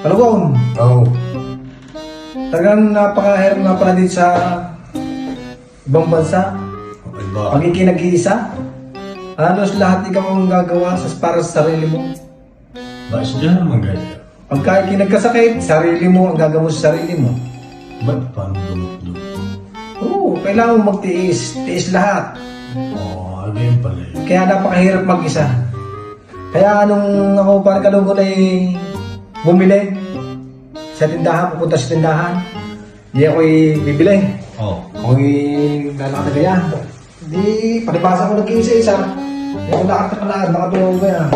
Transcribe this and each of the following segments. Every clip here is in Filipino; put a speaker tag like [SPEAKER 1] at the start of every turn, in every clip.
[SPEAKER 1] Kalugong,
[SPEAKER 2] Oo.
[SPEAKER 1] talagang napakahirap nga pala dito sa ibang bansa.
[SPEAKER 2] Okay ba?
[SPEAKER 1] Pagiging nag-iisa, halos lahat ikaw ang gagawa para sa sarili mo.
[SPEAKER 2] Bakit siya naman ganyan?
[SPEAKER 1] Pagka nagkasakit, sarili mo ang gagawin sa sarili mo.
[SPEAKER 2] Ba't paano gamot doon?
[SPEAKER 1] Oo, kailangan mo magtiis. Tiis lahat.
[SPEAKER 2] Oo, ganyan pala yun.
[SPEAKER 1] Kaya napakahirap mag-isa. Kaya nung ako parang kalugod ay bumili sa tindahan, pupunta sa tindahan, hindi ako'y bibili.
[SPEAKER 2] Oo.
[SPEAKER 1] Ako'y lalakatagaya. Hindi, palibasa ko nag-iisa-isa. Hindi ako nakatakalaan, nakatulog ba yan.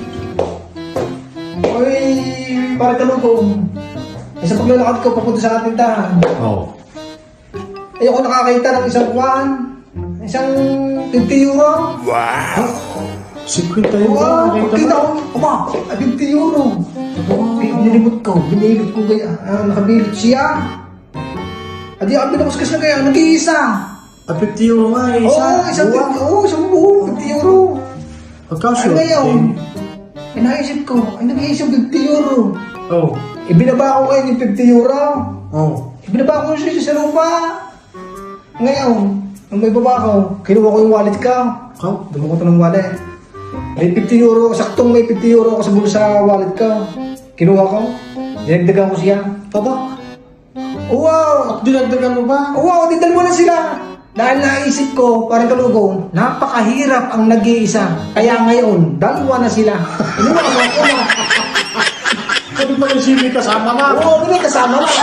[SPEAKER 1] Ako'y parang kalugod. Sa paglalakad ko, papunta sa tindahan.
[SPEAKER 2] Oo.
[SPEAKER 1] Ayoko nakakita ng isang kwan, isang 50 euro.
[SPEAKER 2] Wow! 50 yun
[SPEAKER 1] Wow,
[SPEAKER 2] ba?
[SPEAKER 1] kita ko, ama, 50 euro. Binilimot ko, binilot ko kaya, nakabilit siya. At di ako binabaskas na kaya, nag-iisa.
[SPEAKER 2] 50 euro nga eh.
[SPEAKER 1] Isang buo, 50 euro.
[SPEAKER 2] Pagkasyo.
[SPEAKER 1] Ano ngayon? Inaisip ko, ay nag-iisang 50 euro.
[SPEAKER 2] Oo.
[SPEAKER 1] Ibinaba ko ngayon yung 50 euro.
[SPEAKER 2] Oo.
[SPEAKER 1] Ibinaba ko siya sa lupa. Ngayon, nung may baba ko, kinuha ko yung wallet ko.
[SPEAKER 2] Ikaw?
[SPEAKER 1] Dumi ko ito ng wallet. May 50 euro, saktong may 50 euro ako sa bulsa wallet ko. Kinuha ko, dinagdagan ko siya.
[SPEAKER 2] Tabak.
[SPEAKER 1] Wow!
[SPEAKER 2] Dinagdagan mo ba?
[SPEAKER 1] Wow, didal mo na sila! Dahil naisip ko, parang kalugong, napakahirap ang nag-iisa. Kaya ngayon, dalawa na sila. Inuwa ko ako na.
[SPEAKER 2] Sabi mo yung sili kasama na.
[SPEAKER 1] Oo, may kasama na.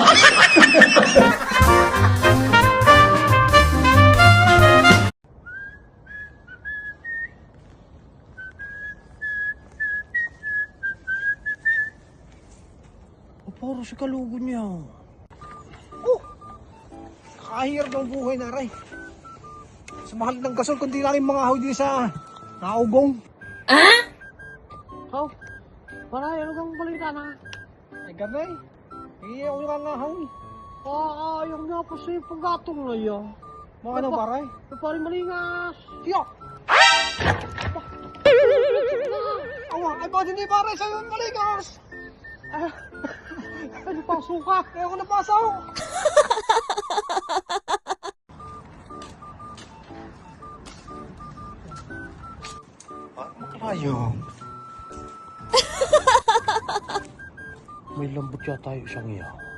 [SPEAKER 3] Puro si kalugo niya. Oh! Kahirap ng buhay na ray. Sa mahal ng gasol, kundi na rin mga ahoy din sa naugong. Ah? How? Para ano kang balita na? Ay gamay. Hindi ako yung ahoy. Yung nga po sa paggatong na yan. Mga ano paray? Paray malingas. Siya! Awa, ay ba hindi paray sa'yo malingas? Ay, napasok ka! Kaya ako napasok!
[SPEAKER 1] Ayo.
[SPEAKER 3] May lambot yata yung isang iya.